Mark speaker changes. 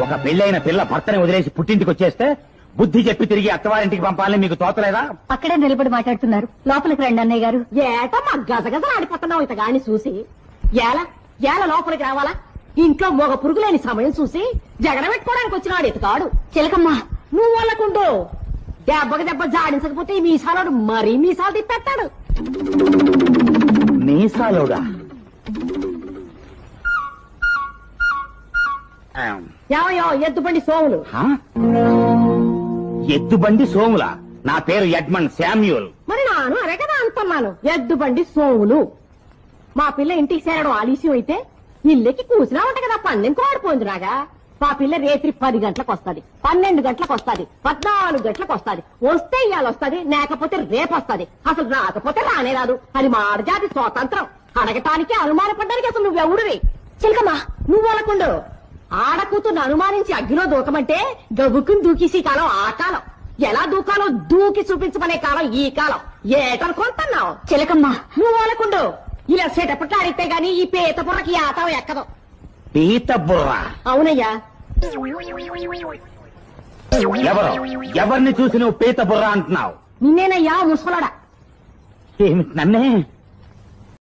Speaker 1: ఒక పెళ్ళైన పిల్ల భర్తని వదిలేసి పుట్టింటికి వచ్చేస్తే బుద్ధి చెప్పి తిరిగి అత్తవారింటికి పంపాలని మీకు తోతలేదా?
Speaker 2: అక్కడే నిలబడి మాట్లాడుతున్నారు. లోపలికి రండి అన్నయ్య గారు.
Speaker 3: ఏటో మా గజగజ ఆడిపోతున్నావు ఇతగాని చూసి. ఏల లోపలికి రావాలా? ఇంట్లో మొగ పురుగులేని సమయం చూసి జగడ పెట్టుకోవడానికి వచ్చినాడు ఇతగాడు.
Speaker 2: చిలకమ్మ
Speaker 3: నువ్వు వాళ్ళకుండు. దెబ్బకి దెబ్బ జాడించకపోతే ఈ మీసాలోడు మరీ మీసాలు తిప్పేస్తాడు.
Speaker 1: మీసాలోడా?
Speaker 3: ఏమయ్యో ఎద్దుబండి సోములు.
Speaker 1: హా? ఎద్దుబండి సోముల? నా పేరు ఎడ్మండ్ శామ్యూల్.
Speaker 3: మరి నాను అరే కదా అంటున్నాను. ఎద్దుబండి సోములు. మా పిల్ల ఇంటికి చేరడం ఆలస్యం అయితే ఇల్లెక్కి కూసినా ఉంట కదా పందెం కోడిపోయిందిరాగా. మా పిల్ల రేత్రి 10 గంటలకు వస్తుంది, 12 గంటలకు వస్తుంది, 14 గంటలకు వస్తుంది. వస్తే ఇవాళ వస్తుంది, లేకపోతే రేపు వస్తుంది. అసలు రాకపోతే రానే రాదు. అది మాడజాతి స్వాతంత్రం. అడగటానికి అనుమానపడ్డానికి అసలు నువ్వెవడివి?
Speaker 2: చిలకమ్మ
Speaker 3: నువ్వు వాళ్ళకుండు. ఆడకూతుర్ని అనుమానించి అగ్గిలో దూకమంటే గబుక్కుని దూకేసి కాలం ఆ కాలం. ఎలా దూకాలో దూకి చూపించమనే కాలం ఈ కాలం. ఏటనుకుంటున్నావు?
Speaker 2: చిలకమ్మ
Speaker 3: నువ్వు వాళ్ళకుండు. ఇలా సెటపట్లు ఆడితే గాని ఈ పీత బుర్రకి ఆతం ఎక్కదు.
Speaker 1: పీత బుర్ర?
Speaker 3: అవునయ్యా.
Speaker 1: ఎవరిని చూసి నువ్వు పీత బుర్ర అంటున్నావు?
Speaker 3: నిన్నేనయ్యా ముసలాడా.
Speaker 1: ఏమిటి నన్నే?